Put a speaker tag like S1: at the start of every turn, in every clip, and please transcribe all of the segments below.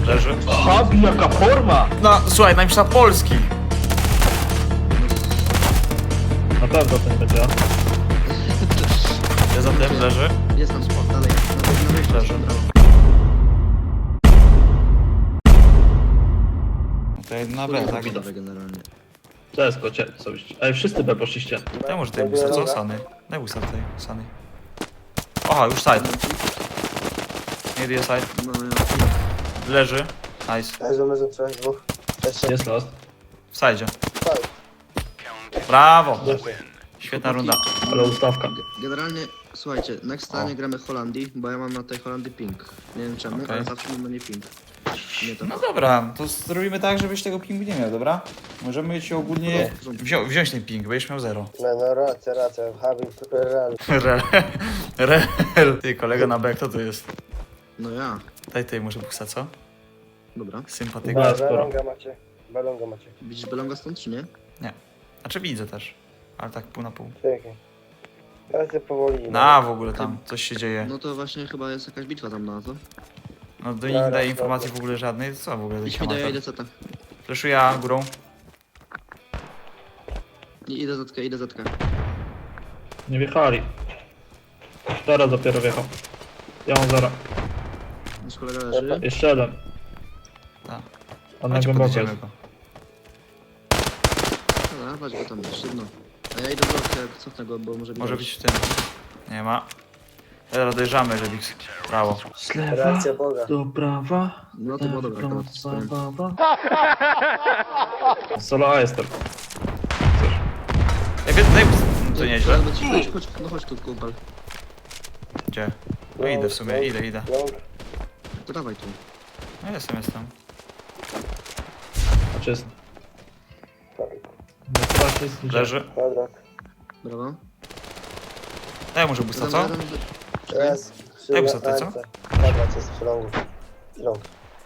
S1: Leży.
S2: Habi, jaka forma!
S1: No, słuchaj, napisał Polski.
S2: Na pewno to nie będzie.
S1: Ja za tym leży.
S3: Jest tam sport, dalej. Na wejściu
S1: Leży.
S3: brawo.
S1: Tutaj na B, tak?
S3: Gotowe generalnie.
S2: Cześć, kocie, co byście? Ej, wszyscy B poszliście.
S1: Daj może tej busa, co? Sany. Daj busa tutaj, Sany. Aha, już side. Nie jest side.
S3: No ja...
S1: Leży. Nice.
S4: Leży, trzech, dwóch. Jeszcze.
S2: Jest last.
S1: W sidzie.
S4: Tak.
S1: Brawo. Świetna runda.
S2: Ale ustawka.
S3: Generalnie, słuchajcie, next time gramy Holandii, bo ja mam na tej Holandii ping. Nie wiem czemu,
S1: Okej.
S3: ale zawsze mam na nie ping. Nie to.
S1: No dobra, to zrobimy tak, żebyś tego pingu nie miał, dobra? Możemy ci ogólnie wziąć ten ping, będziesz miał 0.
S4: No racja. Habi, super real.
S1: Rel. Ty, kolega na B, kto to jest?
S3: No ja.
S1: Daj tej może busa, co?
S3: Dobra.
S1: Sympatyk.
S2: Ba- sporo.
S4: Balonga macie.
S3: Widzisz Belonga stąd, czy nie?
S1: Znaczy widzę też, ale tak pół na pół.
S4: Czekaj. Ja się powoli.
S1: Na w ogóle tam coś się dzieje.
S3: No to właśnie chyba jest jakaś bitwa tam na to.
S1: No do nich nie daje informacji w ogóle żadnej, co w ogóle
S3: Idź
S1: taki
S3: mi do ja
S1: amator.
S3: idę zeta.
S1: Fleszuję górą.
S3: Nie, idę zetkę, idę zetkę.
S2: Nie wjechali. Teraz dopiero wjechał. Ja mam 0.
S3: Nasz kolega leży.
S2: Jeszcze jeden.
S1: Tak.
S2: On na
S1: Chodź,
S2: głęboko
S1: podjedziemy
S2: jest.
S1: go.
S3: Dobra, chodź go tam, szybno. A ja idę do zetkę, jak cofnę go, bo może być...
S1: Może być w tym. Nie ma. Teraz dojeżdżamy, że Bix. Brawo.
S2: Z lewa
S4: Racja Boga.
S2: do prawa.
S3: No to było dobre, akurat z tym.
S2: Solo A jestem.
S1: Ej, daj to nieźle.
S3: Chodź, no chodź tu, kumpel.
S1: Gdzie? No idę w sumie, idę.
S4: Long.
S3: To dawaj tu.
S1: No jestem.
S2: A czysto. No to jest gdzie?
S1: Leży.
S4: Kwadrat.
S3: Brawo.
S1: Daj może busta, co?
S4: Raz.
S1: Daj mu sobie, co?
S4: Kwadrat jest przy longu. Long.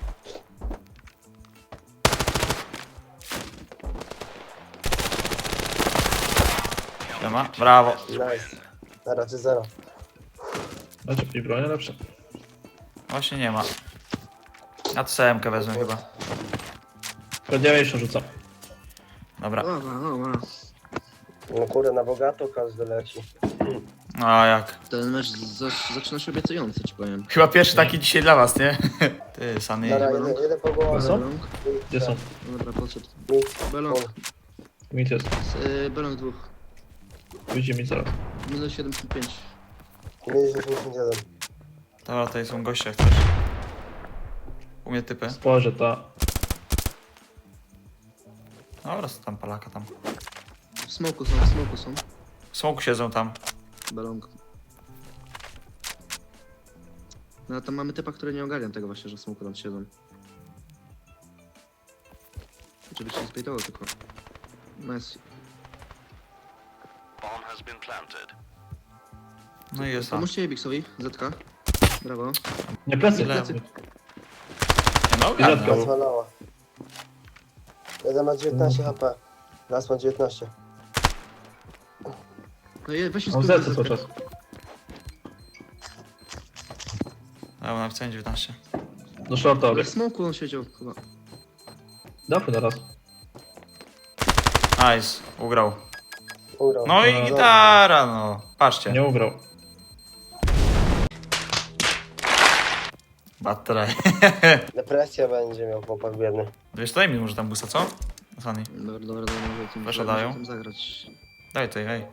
S1: Nie ma. Brawo.
S4: Nice. Na razie 0.
S2: Znaczy w tej bronie lepsze.
S1: Właśnie nie ma. Ja to CM-kę wezmę chyba.
S2: Prawdziwejsze rzucam.
S1: Dobra.
S3: Dobra.
S4: No kurde, na bogato każdy leci.
S1: No a jak?
S3: Ten mecz zaczyna się obiecująco, ci powiem.
S1: Chyba pierwszy taki dzisiaj dla was, nie? Ty, Sany.
S4: Dobra, jeden po głowie.
S2: Co?
S3: Belong.
S2: Gdzie są?
S3: Dobra, podszedł.
S4: Mit.
S3: Belong.
S2: Mit jest.
S3: Belong dwóch.
S2: Widzi mi zaraz.
S3: Minus 75.
S4: Minus 81.
S1: Dobra, tutaj są goście, jak chcesz. U mnie typy.
S2: Spojrzę, ta.
S1: Dobra, co tam palaka tam.
S3: W smoku są.
S1: W smoku siedzą tam.
S3: Belong. No a tam mamy typa, który nie ogarnia tego właśnie, że w smoku tam siedzą. Żeby się nie zbejtował tylko. Nice.
S1: No i jest tam.
S3: Pomóżcie Ebixowi, Zetka. Brawo.
S2: Nie plecy,
S1: Ile?
S2: plecy.
S1: No,
S2: Ile
S1: ogarnę.
S2: to?
S4: Rozwalała. Jeden ma 19 HP. Raz ma 19.
S3: No i weź się
S2: Mam
S3: spróbuj
S2: zlecę cały
S3: Zetkę.
S2: czas.
S1: Dobra, napisałem 19.
S2: Do shorta
S3: Ale
S2: obieg.
S3: w smoku on siedział chyba.
S2: Dawaj teraz.
S1: Nice, ugrał.
S4: Urał.
S1: No i gitara, no. Patrzcie.
S2: Nie ugrał.
S1: Batraj.
S4: Depresja będzie miał chłopak biedny.
S1: Wiesz, daj mi może tam busta, co? Sany.
S3: Dobra, może tym
S1: Proszę, dają.
S3: tym zagrać.
S1: Daj tutaj, hej.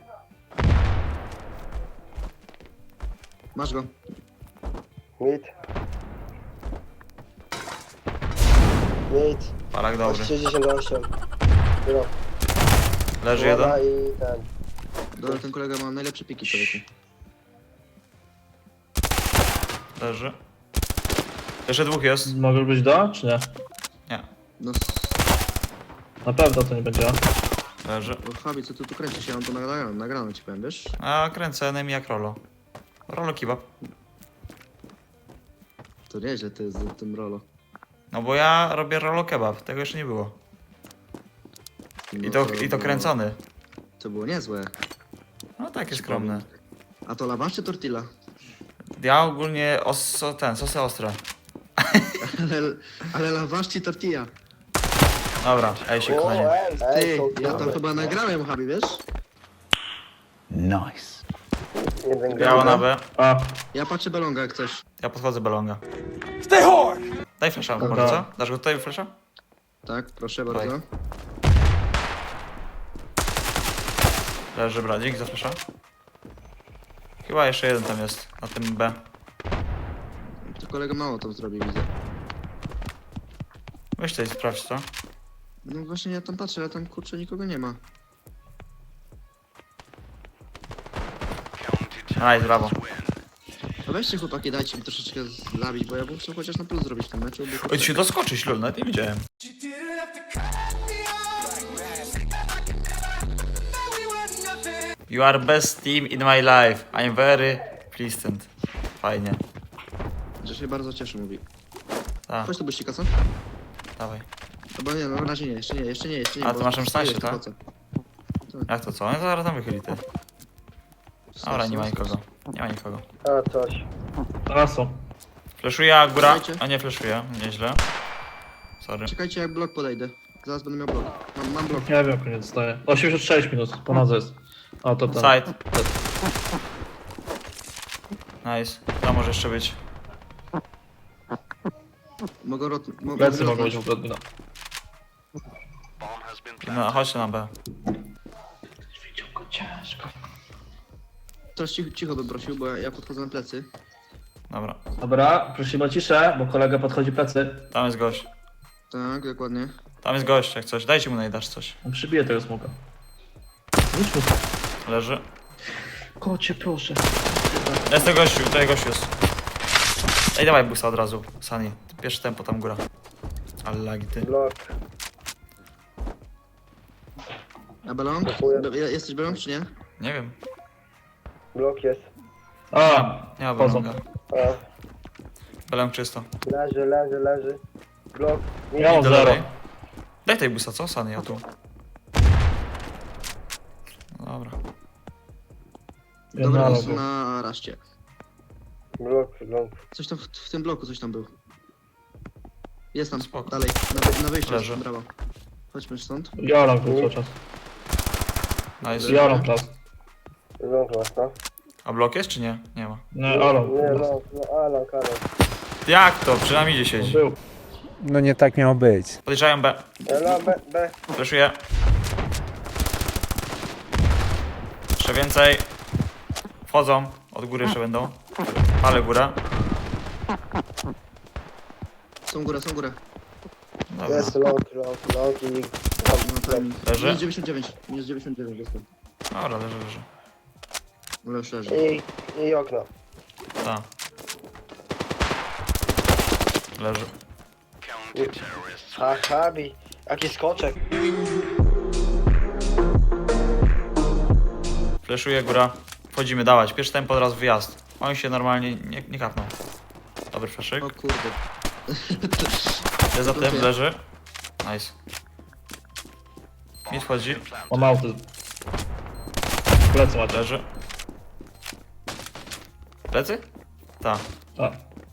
S3: Masz go.
S4: Mit. Mit.
S1: Palak dobry.
S4: 68. Urał.
S1: Leży jeden.
S4: I ten.
S3: Dobra, ten kolega ma najlepsze piki człowieku.
S1: Leży. Jeszcze dwóch jest.
S2: Może być da, czy nie?
S1: Nie.
S3: No,
S2: Na pewno to nie będzie.
S1: Leży.
S3: o, Fabi, co ty tu kręcisz? Ja mam to nagrane ci powiem, wiesz?
S1: A kręcę enemy jak Rolo. Rolo kebab.
S3: To nieźle ty z tym rolo.
S1: No bo ja robię Rolo kebab. Tego jeszcze nie było.
S3: No
S1: I to kręcony.
S3: To było niezłe.
S1: No takie skromne.
S3: A to lawasz czy tortilla?
S1: Ja ogólnie sosy ostre.
S3: Ale lawaszci tortilla.
S1: Dobra, ej się kochanie.
S3: Ty,
S4: są
S3: ja tam
S4: dobre.
S3: chyba nagrałem, Habi, wiesz?
S4: Jeden
S1: Biała
S4: gram.
S1: na B.
S2: A,
S3: Ja patrzę belonga jak coś.
S1: Ja podchodzę belonga. Daj flasha,
S2: Dobra.
S1: może co? Dasz go tutaj flasha?
S3: Tak, proszę
S1: Dawaj.
S3: bardzo.
S1: Leży bradzik za flasha. Chyba jeszcze jeden tam jest, na tym B.
S3: To kolega mało to zrobi, widzę.
S1: Weź tutaj sprawdź co.
S3: No właśnie ja tam patrzę, ale tam kurczę nikogo nie ma.
S1: Nice, brawo.
S3: A weźcie chłopaki, dajcie mi troszeczkę zabić, bo ja bym chciał chociaż na plus zrobić w tym meczu. Bo
S1: Oj, ci się doskoczyć, lol, nawet nie widziałem. You are best team in my life. I'm very pleased. Fajnie.
S3: Że się bardzo cieszę, mówi.
S1: Tak,
S3: Chodź tu byścika, co?
S1: dawaj.
S3: Albo nie, no na razie nie, jeszcze nie.
S1: A,
S3: bo
S1: ty masz M16,
S3: spróbuję,
S1: tak?
S3: po co?
S1: Jak to co? No to zaraz tam wychyli ty. Dobra, nie ma nikogo. Nie ma nikogo.
S4: A, coś.
S2: teraz są.
S1: Fleszuje góra.
S3: Dajcie.
S1: A nie fleszuje, nieźle. Sorry.
S3: Czekajcie jak blok podejdę. Zaraz będę miał blok. Mam blok.
S2: Nie wiem, koniec staje. 86 minut, ponad jest. A, to ten.
S1: Side. Nice. To może jeszcze być.
S3: Mogę
S2: Plecy mogą być w ogóle odbina.
S1: No, chodźcie na B.
S2: Ciężko.
S3: Teraz cicho bym prosił, bo ja podchodzę na plecy.
S1: Dobra.
S2: Dobra, prosimy o ciszę, bo kolega podchodzi plecy.
S1: Tam jest gość.
S3: Tak, dokładnie.
S1: Tam jest gość, jak coś. Dajcie mu najdasz coś.
S2: On przybije tego smoka. Rzuć mu.
S1: Leży.
S2: Kocie, proszę.
S1: Jest ten gościu, tutaj gościu jest. Ej, dawaj busa od razu, Sunny. Pierwsze tempo tam góra. Ale lagi ty.
S4: Blok.
S3: A belong?
S4: Dziękuję.
S3: Jesteś belong czy nie?
S1: Nie wiem.
S4: Blok jest.
S2: A,
S1: Nie ma
S2: Wchodzą.
S1: belonga.
S4: A,
S1: Belong czysto.
S4: leży. Blok.
S2: ja mam
S1: Do
S2: zero.
S1: lewej. Daj tej busa, co? Sunny, ja tu. No dobra.
S3: Dobra,
S2: Jedna
S3: to są
S2: logo.
S3: na raście.
S4: Blok.
S3: Coś tam w tym bloku coś tam był. Jest tam,
S1: Spoko.
S3: dalej, na wyjściu
S1: Leży.
S3: jest, brawo. Chodźmy stąd.
S2: Joram tu cały czas.
S1: Nice.
S2: Joram teraz.
S4: Blok masz, no.
S1: A blok jest czy nie? Nie ma.
S2: Nie, Alan.
S4: Nie, no, Alan.
S1: Jak to? Przynajmniej gdzie siedzi.
S2: Był.
S5: No nie tak miało być.
S1: Podejrzają B.
S4: Ela, B.
S1: Fleszuję. Jeszcze więcej. Wchodzą. Od góry jeszcze będą. Ale góra.
S3: Są górę.
S1: Dobra.
S4: Jest long i...
S3: No, timing.
S1: Leży?
S3: Minus 99 jestem.
S1: Dobra, leży.
S3: Ale już leży.
S4: I okno.
S1: Tak. Leży.
S4: A, Habi. Jaki skoczek.
S1: Fleszuje góra. Wchodzimy, dawać. Pierwszy tempo od razu wyjazd. On się normalnie nie kapnął. Dobry fleszyk.
S3: O kurde.
S1: Jest za tym, leży. Nice. Mid wchodzi.
S2: Mam autyzm. Plecy macie.
S1: Leży. Plecy? Tak.
S2: A,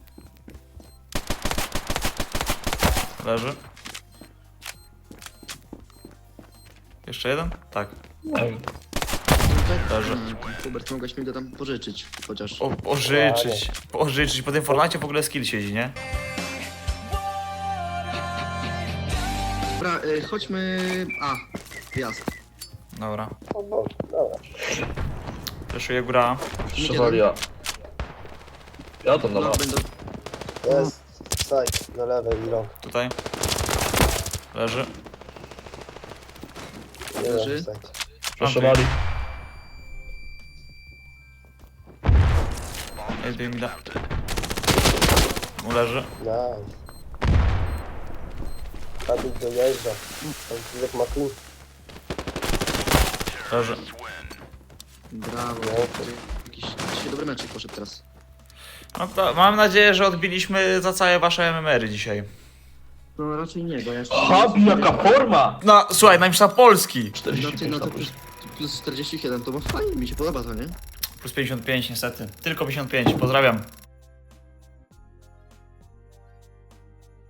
S1: Leży. Jeszcze jeden? Tak.
S2: nie wiem.
S1: Leży.
S3: Hubert, mogłeś mi go tam pożyczyć, chociaż.
S1: Pożyczyć. Po tym Fortnite w ogóle skill siedzi, nie?
S3: Dobra, chodźmy... A, wjazd.
S1: Dobra.
S4: O, bo, dobra.
S1: Fleszuje góra.
S2: Przewali ja. Ja tam na
S3: Blok
S2: was.
S3: będą...
S4: Jest side na lewej i long.
S1: Tutaj. Leży.
S4: Nie
S3: Leży.
S4: side.
S2: Przeszowali.
S1: Ej, mi da. Mu leży.
S4: Nice. Habi dojeżdża. Tam jak McQueen.
S1: Leży.
S3: Brawo. Jakiś dzisiaj dobry meczek poszedł teraz.
S1: No to mam nadzieję, że odbiliśmy za całe wasze MMR-y dzisiaj.
S3: No raczej nie, bo ja jeszcze...
S2: Habi, jaka forma!
S1: No, słuchaj, najmniejsza Polski.
S3: No
S2: 45
S3: ty, no to
S2: na
S3: plus 47, to bo fajnie, mi się podoba to, nie?
S1: Plus 55 niestety. Tylko 55. Pozdrawiam.